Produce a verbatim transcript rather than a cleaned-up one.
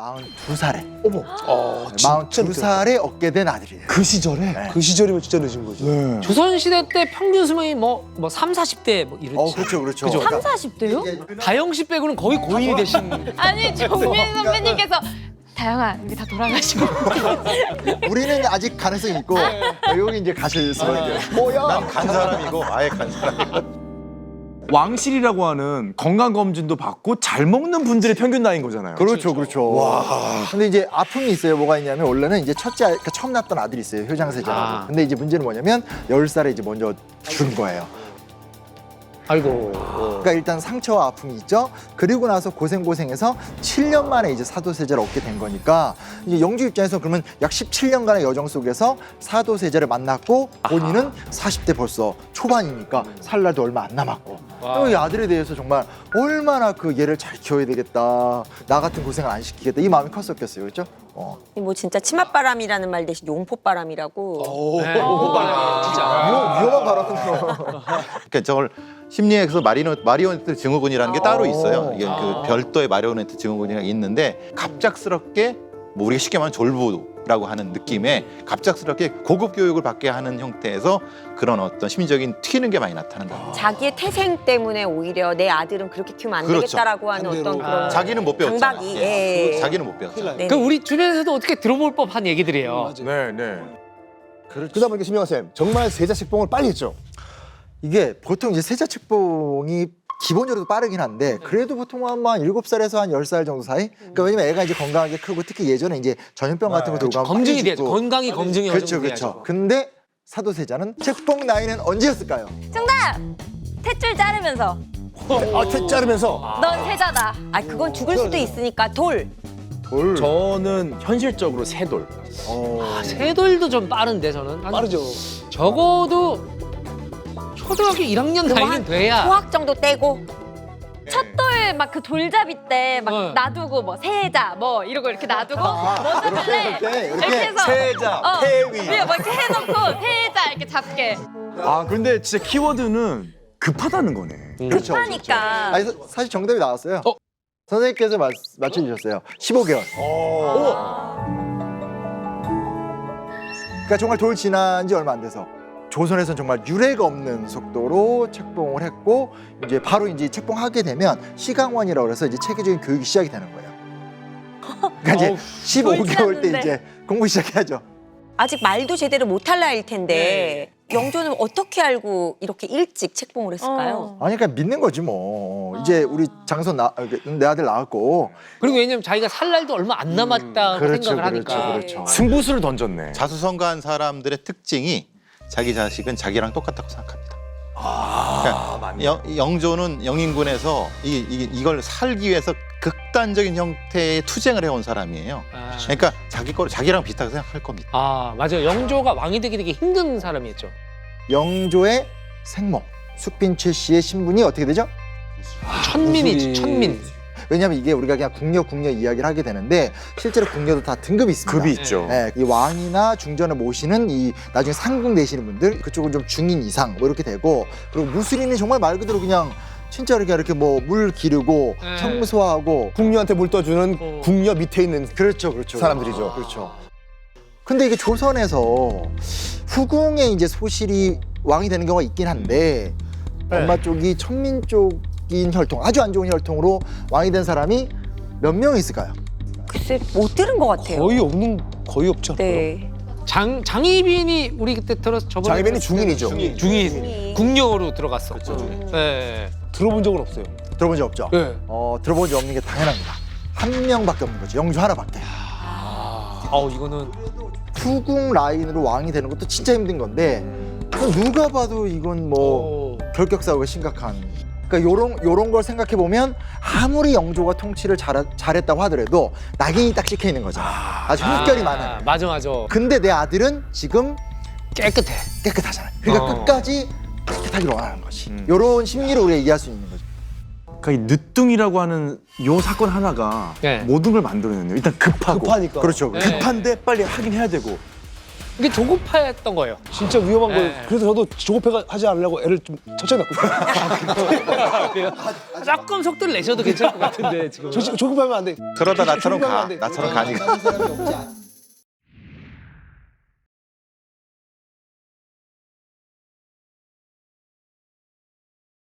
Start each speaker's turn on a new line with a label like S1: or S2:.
S1: 마흔두 살에
S2: 어머. 아,
S1: 마흔두 살에 얻게 된 아들이에요.
S2: 그 시절에?
S1: 네.
S2: 그 시절이면 진짜 늦은 거죠. 네.
S3: 조선시대 때 평균 수명이 뭐, 뭐 삼, 사십 대 뭐 이랬지.
S1: 어, 그렇죠, 그렇죠.
S3: 그죠?
S1: 그러니까
S4: 삼, 사십 대요?
S3: 다영 씨 빼고는 거의 고인이 되신.
S4: 아니 정민 선배님께서 다영아 여기 다 돌아가시고
S1: 우리는 아직 가능성이 있고 여기 이제 가실 수밖에.
S2: 뭐야?
S5: 난 간 사람이고 아예 간 사람이고.
S6: 왕실이라고 하는 건강검진도 받고 잘 먹는 분들의 평균 나이인 거잖아요.
S1: 그렇죠, 그렇죠. 와. 근데 이제 아픔이 있어요. 뭐가 있냐면 원래는 이제 첫째, 아이, 그러니까 처음 낳았던 아들이 있어요. 효장세자라고.
S3: 아.
S1: 근데 이제 문제는 뭐냐면 열 살에 이제 먼저 준 거예요.
S3: 아이고.
S1: 그러니까 일단 상처와 아픔이 있죠. 그리고 나서 고생고생해서 칠 년 만에 이제 사도세자를 얻게 된 거니까 이제 영주 입장에서 그러면 약 십칠 년간의 여정 속에서 사도세자를 만났고 본인은 사십 대 벌써 초반이니까 살 날도 얼마 안 남았고
S3: 와.
S1: 이 아들에 대해서 정말 얼마나 그 얘를 잘 키워야 되겠다. 나 같은 고생을 안 시키겠다. 이 마음이 컸었겠어요. 그렇죠? 어.
S7: 뭐 진짜 치맛바람이라는 말 대신 용포바람이라고.
S3: 네, 오빠는 진짜.
S1: 위험, 위험한 발언으로.
S5: 그러니까 저걸 심리학에서 마리노, 마리오네트 증후군이라는 게 따로 있어요. 이게 그 별도의 마리오네트 증후군이 있는데 갑작스럽게 뭐 우리가 쉽게 말하면 졸부라고 하는 느낌의 갑작스럽게 고급 교육을 받게 하는 형태에서 그런 어떤 심리적인 튀는 게 많이 나타난다.
S7: 자기의 태생 때문에 오히려 내 아들은 그렇게 키우면 안
S5: 그렇죠.
S7: 되겠다라고 하는
S2: 반대로.
S7: 어떤 그런
S5: 자기는 못 배웠잖아.
S7: 강박이.
S5: 예.
S7: 예.
S5: 자기는 못 배웠잖아.
S7: 네.
S3: 그 우리 주변에서도 어떻게 들어볼 법한 얘기들이에요.
S6: 네, 네.
S2: 그러다 보니까 심영하 쌤 정말 세자 책봉을 빨리 했죠.
S1: 이게 보통 이제 세자 책봉이 기본적으로 빠르긴 한데 그래도 보통 한 일곱 살에서 한 열 살 정도 사이? 그러니까 왜냐면 애가 이제 건강하게 크고 특히 예전에 이제 전염병 같은 거 들고 가면
S3: 검증이
S1: 빨리
S3: 돼야죠.
S1: 죽고.
S3: 건강이 검증이
S1: 그렇죠, 그렇죠. 근데 사도세자는 책봉 나이는 언제였을까요?
S4: 정답! 탯줄 자르면서
S2: 아, 태 자르면서.
S4: 넌 세자다.
S7: 아 그건 죽을 수도 있으니까 돌.
S1: 돌.
S6: 저는 현실적으로 세 돌.
S1: 어.
S3: 세돌도 좀 빠른데 저는. 한
S2: 빠르죠.
S3: 적어도 초등학교 일 학년 나이는 돼야.
S7: 소학 정도 떼고.
S4: 첫돌 막 그 돌잡이 때 막
S3: 어.
S4: 놔두고 뭐 세자 뭐 이러고 이렇게 놔두고 먼저 갈래
S1: 이렇게, 이렇게.
S4: 이렇게 해서
S6: 세자,
S4: 어,
S6: 태위.
S4: 위에 뭐 이렇게 해놓고 세자 이렇게 잡게
S6: 아, 근데 진짜 키워드는 급하다는 거네.
S1: 그렇죠.
S4: 하니까
S1: 아니, 사- 사실 정답이 나왔어요.
S3: 어?
S1: 선생님께서 맞, 맞춰주셨어요. 십오 개월. 그러니까 정말 돌 지난 지 얼마 안 돼서 조선에서는 정말 유례가 없는 속도로 책봉을 했고 이제 바로 이제 책봉하게 되면 시강원이라고 해서 이제 체계적인 교육이 시작이 되는 거예요. 그러니까 이제
S3: 어우,
S1: 십오 개월 때
S4: 지났는데.
S1: 이제 공부 시작해야죠.
S7: 아직 말도 제대로 못할 나이일 텐데 영조는 어떻게 알고 이렇게 일찍 책봉을 했을까요?
S4: 어.
S1: 아니 그러니까 믿는 거지 뭐. 이제 우리 장손 나, 내 아들 낳았고
S3: 그리고 왜냐면 자기가 살 날도 얼마 안 남았다고
S1: 그렇죠,
S3: 생각을
S1: 그렇죠,
S3: 하니까.
S1: 그렇죠.
S6: 승부수를 던졌네.
S5: 자수성가한 사람들의 특징이 자기 자식은 자기랑 똑같다고 생각합니다.
S6: 아, 맞네.
S5: 영, 영조는 영인군에서 이, 이, 이걸 살기 위해서 극단적인 형태의 투쟁을 해온 사람이에요.
S3: 아,
S5: 그러니까 자기 거 자기랑 비슷하게 생각할 겁니다.
S3: 아 맞아요. 영조가 왕이 되기 되게 힘든 사람이었죠.
S1: 영조의 생모 숙빈최 씨의 신분이 어떻게 되죠?
S3: 천민이지
S2: 무술이-
S3: 천민.
S1: 왜냐하면 이게 우리가 그냥 궁녀 궁녀 이야기를 하게 되는데 실제로 궁녀도 다 등급이 있습니다.
S6: 급이 있죠.
S1: 네, 이 왕이나 중전을 모시는 이 나중에 상궁 되시는 분들 그쪽은 좀 중인 이상 뭐 이렇게 되고 그리고 무술인은 정말 말 그대로 그냥 진짜 이렇게 이렇게 뭐 물 기르고
S3: 네.
S1: 청소하고
S2: 궁녀한테 물 떠주는
S3: 어.
S2: 궁녀 밑에 있는
S1: 그렇죠, 그렇죠.
S2: 사람들이죠.
S1: 그렇죠. 근데 이게 조선에서 후궁에 이제 소실이 왕이 되는 경우가 있긴 한데 엄마 쪽이 천민 쪽인 혈통 아주 안 좋은 혈통으로 왕이 된 사람이 몇 명 있을까요?
S7: 글쎄 못 들은 것 같아요.
S2: 거의 없는 거의 없죠.
S7: 네.
S3: 장 장희빈이 우리 그때 들어서 저번에
S2: 장희빈이
S3: 들었을
S2: 중인이죠.
S3: 때는 중인
S7: 중인.
S3: 궁녀로 들어갔어. 네.
S2: 들어본 적은 없어요.
S1: 들어본 적 없죠?
S3: 네.
S1: 어, 들어본 적 없는 게 당연합니다. 한 명밖에 없는 거죠. 영주 하나밖에.
S3: 어 이거는
S1: 후궁 라인으로 왕이 되는 것도 진짜 힘든 건데 누가 봐도 이건 뭐
S3: 어,
S1: 결격 사고가 심각한. 그러니까 요런 요런 걸 생각해 보면 아무리 영조가 통치를 잘 잘했다고 하더라도 낙인이 딱 찍혀 있는 거잖아. 아주 흠결이
S3: 아,
S1: 많은.
S3: 맞아 맞아.
S1: 근데 내 아들은 지금
S3: 깨끗해.
S1: 깨끗하잖아. 그러니까
S3: 어.
S1: 끝까지 깨끗하기를 원하는 거지.
S6: 음.
S1: 요런 심리를 우리가 이해할 수 있는 거죠.
S6: 그러니까 이 늦둥이라고 하는 요 사건 하나가
S3: 네.
S6: 모든 걸 만들어내네요. 일단 급하고.
S2: 급하니까.
S1: 그렇죠.
S3: 네.
S1: 그렇죠.
S6: 급한데 빨리 하긴 해야 되고.
S3: 이게 조급했던 거예요.
S2: 진짜 위험한
S3: 네.
S2: 거예요. 그래서 저도 조급해 하지 않으려고 애를 좀 천천히 낳고 있어요.
S3: 조금 속도를 내셔도 괜찮을 것 같은데 지금.
S2: 조- 조급하면 안 돼.
S5: 그러다 나처럼
S2: 조급하면
S5: 가.
S2: 안 돼.
S5: 나처럼 가니까.
S1: 사람이 없지 않-